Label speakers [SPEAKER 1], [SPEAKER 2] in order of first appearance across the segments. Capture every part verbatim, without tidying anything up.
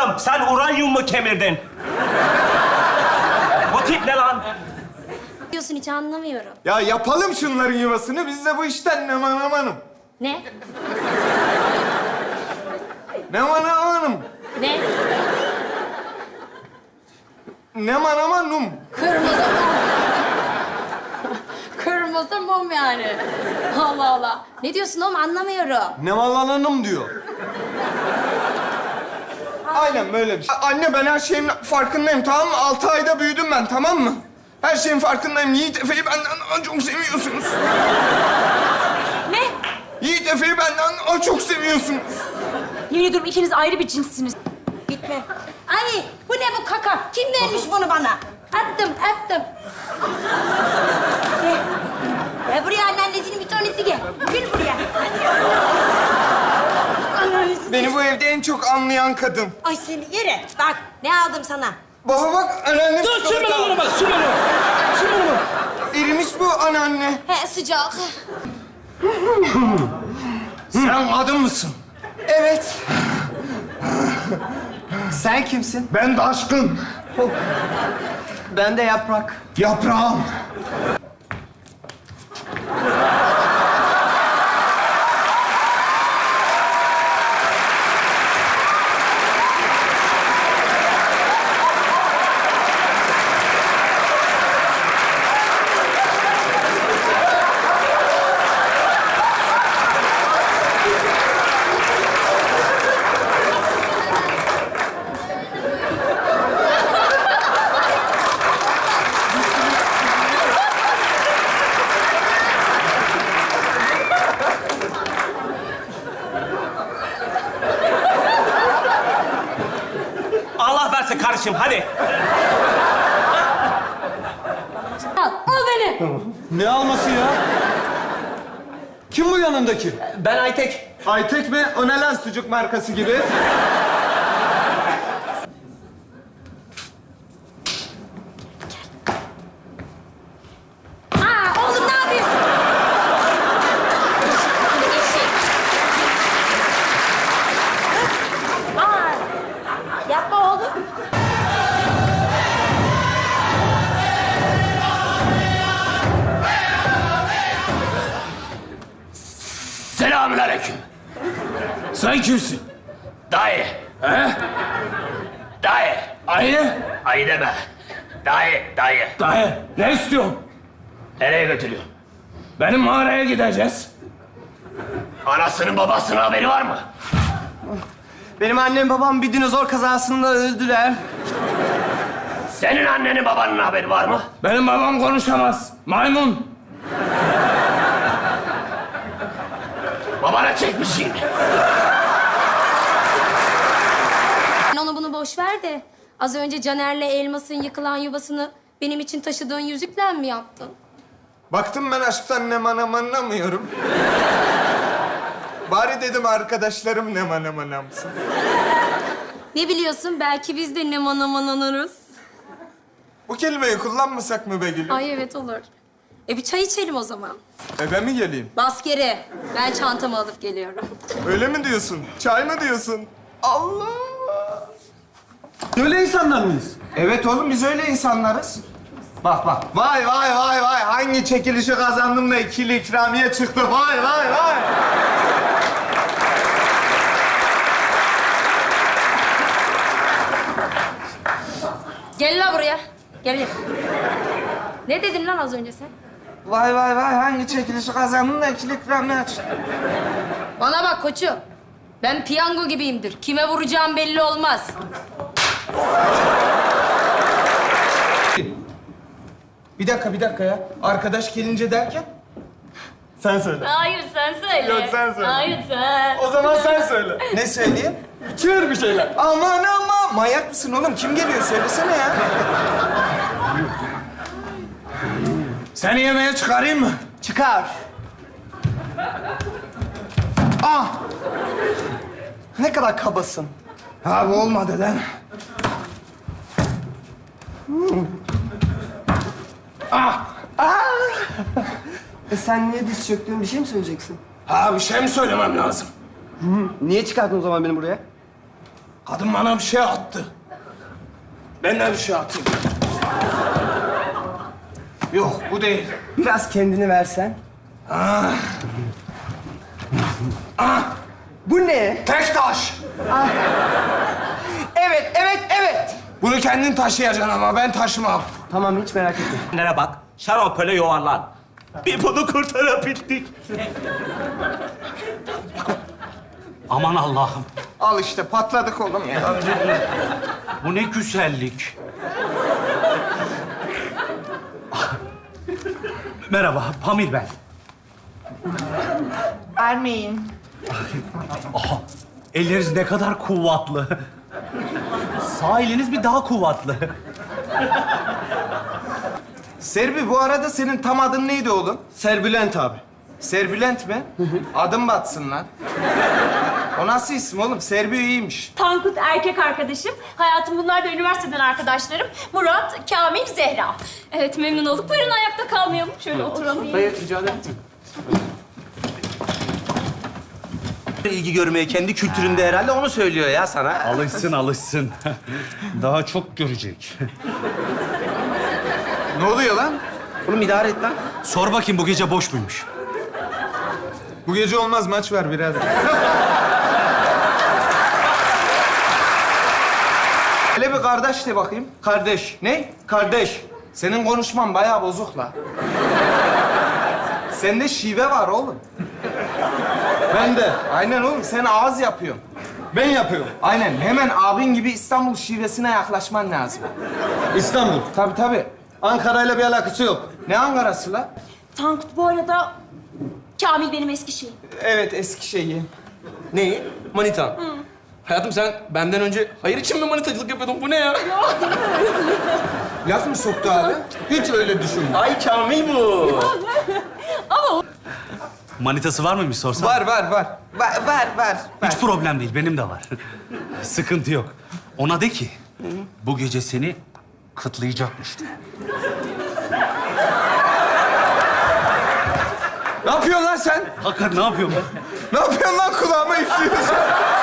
[SPEAKER 1] Kızım sen uranyum mu kemirdin? Bu tip ne lan?
[SPEAKER 2] Diyorsun hiç anlamıyorum.
[SPEAKER 3] Ya yapalım şunların yuvasını. Biz de bu işten ne man amanım.
[SPEAKER 2] Ne?
[SPEAKER 3] Ne man amanım.
[SPEAKER 2] Ne?
[SPEAKER 3] Ne man amanum.
[SPEAKER 2] Kırmızı mum. Kırmızı mum yani. Allah Allah. Ne diyorsun oğlum anlamıyorum.
[SPEAKER 3] Ne malananım diyor. Aynen böyle bir şey. Anne ben her şeyin farkındayım tamam mı? Altı ayda büyüdüm ben tamam mı? Her şeyin farkındayım. Yiğit Efe'yi benden çok seviyorsunuz.
[SPEAKER 2] Ne?
[SPEAKER 3] Yiğit Efe'yi benden çok seviyorsunuz.
[SPEAKER 4] Yemin ediyorum ikiniz ayrı bir cinssiniz.
[SPEAKER 2] Gitme. Ay bu ne bu kaka? Kim vermiş bunu bana? Attım attım. Gel. Gel buraya anneannesinin bir tanesi gel. Gel buraya. Anneannesi.
[SPEAKER 3] Beni bu evde en çok anlayan kadın.
[SPEAKER 2] Ay seni yere. Bak ne aldım sana.
[SPEAKER 3] Baba bak anneannem...
[SPEAKER 1] Dur sürme lan onu bak sürme onu. Sürme onu.
[SPEAKER 3] Erimiş bu anneanne.
[SPEAKER 2] He sıcak.
[SPEAKER 3] Sen kadın mısın? Evet.
[SPEAKER 5] Sen kimsin?
[SPEAKER 3] Ben de aşkın.
[SPEAKER 5] Ben de Yaprak.
[SPEAKER 3] Yaprağım.
[SPEAKER 1] Allah versin kardeşim hadi.
[SPEAKER 2] Al, al beni.
[SPEAKER 5] Ne alması ya? Kim bu yanındaki?
[SPEAKER 1] Ben Aytek.
[SPEAKER 3] Aytek mi? O ne lan sucuk markası gibi?
[SPEAKER 2] Aa oğlum ne yapıyorsun? Aa, yapma oğlum.
[SPEAKER 6] Selamünaleyküm. Sen kimsin? Dayı. He? Dayı. Ayı? Ayı deme. Dayı, dayı.
[SPEAKER 1] Dayı ne istiyorsun?
[SPEAKER 6] Nereye götürüyorsun?
[SPEAKER 1] Benim mağaraya gideceğiz.
[SPEAKER 6] Anasının babasının haberi var mı?
[SPEAKER 5] Benim annem babam bir dinozor kazasında öldüler.
[SPEAKER 6] Senin annenin babanın haberi var mı?
[SPEAKER 1] Benim babam konuşamaz. Maymun.
[SPEAKER 6] Babana çekmişsin.
[SPEAKER 2] Sen onu bunu boş ver de az önce Caner'le Elmas'ın yıkılan yuvasını benim için taşıdığın yüzükle mi yaptın?
[SPEAKER 3] Baktım ben aşktan ne man aman anlamıyorum. Bari dedim arkadaşlarım ne man aman anlamsın.
[SPEAKER 2] Ne biliyorsun belki biz de ne manaman anarız.
[SPEAKER 3] Bu kelimeyi kullanmasak mı be gülüm?
[SPEAKER 2] Ay evet olur. E bir çay içelim o zaman.
[SPEAKER 3] Eve mi geleyim?
[SPEAKER 2] Bas geri. Ben çantamı alıp geliyorum.
[SPEAKER 3] Öyle mi diyorsun? Çay mı diyorsun? Allah!
[SPEAKER 5] Öyle insanlar mıyız?
[SPEAKER 3] Evet oğlum biz öyle insanlarız. Bak bak. Vay vay vay vay. Hangi çekilişi kazandım da ikili ikramiye çıktı. Vay vay vay.
[SPEAKER 2] Gel la buraya. Gel gel. Ne dedin lan az önce sen?
[SPEAKER 3] Vay vay vay. Hangi çekilişi kazandım da ikili ikramiye çıktı.
[SPEAKER 2] Bana bak koçum. Ben piyango gibiyimdir. Kime vuracağım belli olmaz.
[SPEAKER 3] Bir dakika bir dakika ya. Arkadaş gelince derken? Sen söyle.
[SPEAKER 2] Hayır sen söyle.
[SPEAKER 3] Yok, sen söyle.
[SPEAKER 2] Hayır sen.
[SPEAKER 3] O zaman sen söyle. Ne söyleyeyim? Çığır bir şeyler. Aman aman. Manyak mısın oğlum? Kim geliyor? Söylesene ya. Seni yemeğe çıkarayım mı?
[SPEAKER 5] Çıkar.
[SPEAKER 3] Ah!
[SPEAKER 5] Ne kadar kabasın.
[SPEAKER 3] Ha bu olmadı lan. Ah!
[SPEAKER 5] E sen niye diz çöktün? Bir şey mi söyleyeceksin?
[SPEAKER 3] Ha bir şey mi söylemem lazım?
[SPEAKER 5] Niye çıkarttın o zaman beni buraya?
[SPEAKER 3] Kadın bana bir şey attı. Ben de bir şey atayım. Yok, bu değil.
[SPEAKER 5] Biraz kendini versen.
[SPEAKER 3] Ah. Ah.
[SPEAKER 5] Bu ne?
[SPEAKER 3] Tek taş.
[SPEAKER 5] Evet, evet, evet.
[SPEAKER 3] Bunu kendin taşıyacaksın ama ben taşımam.
[SPEAKER 5] Tamam, hiç merak etme.
[SPEAKER 6] Nereye bak? Şarapele yuvarlan. Bir bunu kurtarabildik. Aman Allah'ım.
[SPEAKER 3] Al işte, patladık oğlum ya.
[SPEAKER 6] Bu ne güzellik. Merhaba, Pamir ben.
[SPEAKER 5] Ermeyin.
[SPEAKER 6] Aha, elleriniz ne kadar kuvvetli. Sağ eliniz bir daha kuvvetli.
[SPEAKER 3] Serbi, bu arada senin tam adın neydi oğlum?
[SPEAKER 5] Serbülent abi.
[SPEAKER 3] Serbülent mi? Adım batsın lan. O nasıl isim oğlum? Serbi iyiymiş.
[SPEAKER 4] Tankut erkek arkadaşım. Hayatım bunlar da üniversiteden arkadaşlarım. Murat, Kamil, Zehra. Evet memnun olduk. Buyurun ayakta kalmayalım. Şöyle oturalım.
[SPEAKER 5] Hayır, rica ederim. İlgi görmeye kendi kültüründe herhalde onu söylüyor ya sana.
[SPEAKER 6] Alışsın, alışsın. Daha çok görecek.
[SPEAKER 3] Ne oluyor lan?
[SPEAKER 5] Oğlum idare et lan.
[SPEAKER 6] Sor bakayım bu gece boş muymuş?
[SPEAKER 3] Bu gece olmaz, maç var birader. Hele bir kardeş de bakayım. Kardeş. Ne? Kardeş. Senin konuşman bayağı bozuk la. Sende şive var oğlum. Ben de. Aynen oğlum, sen ağız yapıyorsun. Ben yapıyorum. Aynen, hemen abin gibi İstanbul şivesine yaklaşman lazım.
[SPEAKER 7] İstanbul.
[SPEAKER 3] Tabii tabii.
[SPEAKER 7] Ankara'yla bir alakası yok.
[SPEAKER 3] Ne Ankara'sı la?
[SPEAKER 4] Tankut bu arada Kamil benim eski şeyim.
[SPEAKER 3] Evet, Eskişehir.
[SPEAKER 8] Neyi? Manita. Hayatım sen benden önce hayır için mi manitacılık yapıyordun? Bu ne ya?
[SPEAKER 3] Laf mı soktu abi? Hiç öyle düşünme.
[SPEAKER 5] Ay Kamil bu.
[SPEAKER 6] Manitası var mıymış sorsam?
[SPEAKER 3] Var, var, var. Var, var, var.
[SPEAKER 6] Hiç problem değil, benim de var. Sıkıntı yok. Ona de ki, bu gece seni kıtlayacakmış de.
[SPEAKER 3] Ne yapıyorsun lan sen?
[SPEAKER 6] Hakan ne yapıyorsun ben?
[SPEAKER 3] Ne yapıyorsun lan, kulağıma üflüyorsun?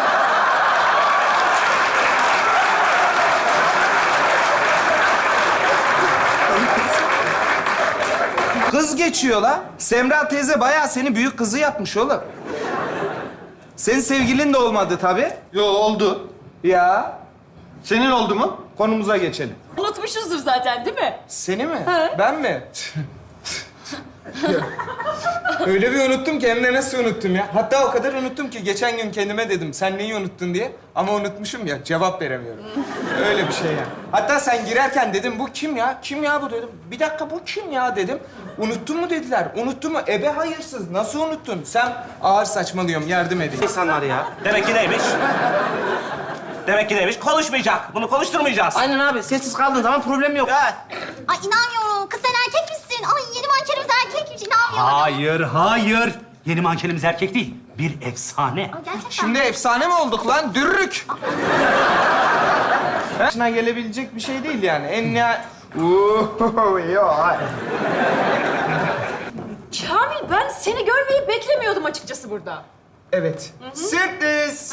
[SPEAKER 3] Kız geçiyor la. Semra teyze bayağı seni büyük kızı yapmış oğlum. Senin sevgilin de olmadı tabii.
[SPEAKER 7] Yo, oldu.
[SPEAKER 3] Ya.
[SPEAKER 7] Senin oldu mu?
[SPEAKER 3] Konumuza geçelim.
[SPEAKER 4] Unutmuşuzdur zaten değil mi?
[SPEAKER 3] Seni mi? Ben mi? Öyle bir unuttum ki hem de nasıl unuttum ya. Hatta o kadar unuttum ki geçen gün kendime dedim sen neyi unuttun diye. Ama unutmuşum ya, cevap veremiyorum. Öyle bir şey yani. Hatta sen girerken dedim bu kim ya? Kim ya bu dedim. Bir dakika bu kim ya dedim. Unuttun mu dediler. Unuttun mu? Ebe hayırsız. Nasıl unuttun? Sen ağır saçmalıyorum, yardım edin.
[SPEAKER 5] İnsanlar ya.
[SPEAKER 6] Demek ki neymiş? Demek ki neymiş? Konuşmayacak. Bunu konuşturmayacağız.
[SPEAKER 5] Aynen abi. Sessiz kaldığın zaman problem yok.
[SPEAKER 9] Ay inanmıyorum. Kız sen erkek misin? Ay yeni mankenimiz erkekmiş. İnanmıyorum.
[SPEAKER 6] Hayır, hayır. Yeni mankenimiz erkek değil. Bir efsane.
[SPEAKER 9] Ay, gerçekten.
[SPEAKER 3] Şimdi efsane mi olduk lan? Dürrük. Başına gelebilecek bir şey değil yani. En nihayet... Uuu, yok.
[SPEAKER 4] Kamil ben seni görmeyi beklemiyordum açıkçası burada.
[SPEAKER 3] Evet. Sürpriz.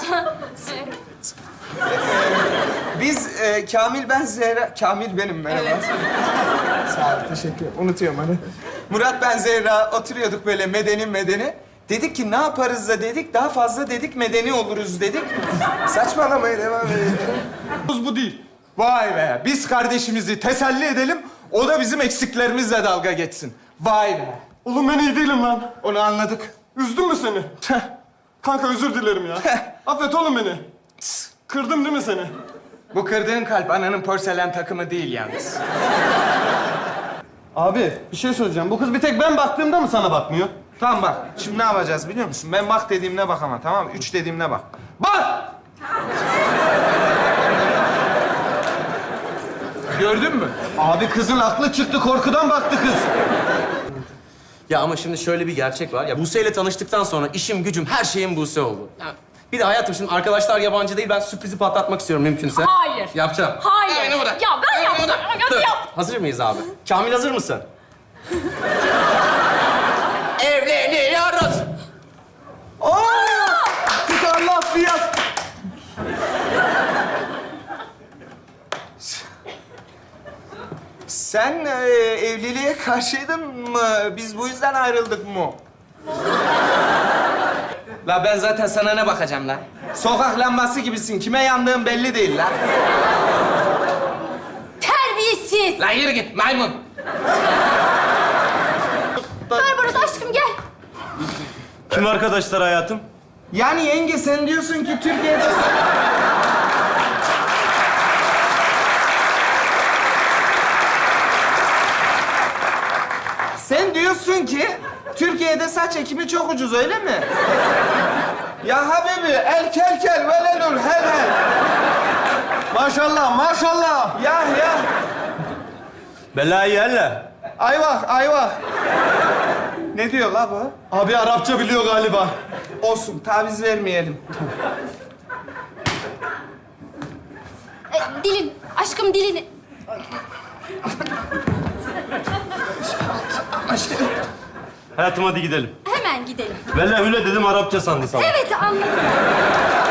[SPEAKER 3] Biz e, Kamil, ben Zehra... Kamil benim, merhaba.
[SPEAKER 4] Evet.
[SPEAKER 3] Sağ ol, teşekkür ederim. Unutuyorum hani. Murat, ben Zehra oturuyorduk böyle medeni medeni. Dedik ki ne yaparız da dedik, daha fazla dedik medeni oluruz dedik. Saçmalamaya devam edelim.
[SPEAKER 7] Bu değil.
[SPEAKER 3] Vay be, biz kardeşimizi teselli edelim, o da bizim eksiklerimizle dalga geçsin. Vay be.
[SPEAKER 7] Oğlum ben iyi değilim lan.
[SPEAKER 3] Onu anladık.
[SPEAKER 7] Üzdün mü seni? Kanka özür dilerim ya. Affet oğlum beni. Kırdım değil mi seni?
[SPEAKER 3] Bu kırdığın kalp ananın porselen takımı değil yalnız.
[SPEAKER 7] Abi bir şey söyleyeceğim. Bu kız bir tek ben baktığımda mı sana bakmıyor?
[SPEAKER 3] Tamam bak, şimdi ne yapacağız biliyor musun? Ben bak dediğimde bak ama, tamam mı? Üç dediğimde bak. Bak! Gördün mü?
[SPEAKER 7] Abi kızın aklı çıktı. Korkudan baktı kız.
[SPEAKER 8] Ya ama şimdi şöyle bir gerçek var. Ya Buse ile tanıştıktan sonra işim gücüm her şeyim Buse oldu. Ya, bir de hayatım şimdi arkadaşlar yabancı değil. Ben sürprizi patlatmak istiyorum mümkünse.
[SPEAKER 4] Hayır.
[SPEAKER 8] Yapacağım.
[SPEAKER 4] Hayır.
[SPEAKER 8] Aynen bırak.
[SPEAKER 4] Ya ben
[SPEAKER 8] Aynen
[SPEAKER 4] yaptım.
[SPEAKER 8] bırak.
[SPEAKER 4] Hadi
[SPEAKER 8] Dur.
[SPEAKER 4] yap.
[SPEAKER 8] Hazır mıyız abi? Kamil hazır mısın? Evleniyoruz.
[SPEAKER 3] Tutar laf bir yaz. karşıydın mı? Biz bu yüzden ayrıldık mı? La ben zaten sana ne bakacağım lan? Sokak lambası gibisin. Kime yandığın belli değil lan.
[SPEAKER 2] Terbiyesiz.
[SPEAKER 1] Lan yürü git maymun.
[SPEAKER 2] Barbaros aşkım gel.
[SPEAKER 5] Kim arkadaşlar hayatım?
[SPEAKER 3] Yani yenge sen diyorsun ki Türkiye'de... Sen diyorsun ki Türkiye'de saç ekimi çok ucuz öyle mi? Ya habibi el kel kel velelul hel hel.
[SPEAKER 5] Maşallah, maşallah.
[SPEAKER 3] Ya ya.
[SPEAKER 5] Belayı yerle.
[SPEAKER 3] Ayvah ayvah. Ne diyor la bu?
[SPEAKER 7] Abi Arapça biliyor galiba.
[SPEAKER 3] Olsun taviz vermeyelim.
[SPEAKER 2] E, dilin, aşkım dilini.
[SPEAKER 5] Hayatım hadi gidelim.
[SPEAKER 2] Hemen gidelim.
[SPEAKER 5] Vele hüle dedim Arapça sandı sana.
[SPEAKER 2] Evet anladım.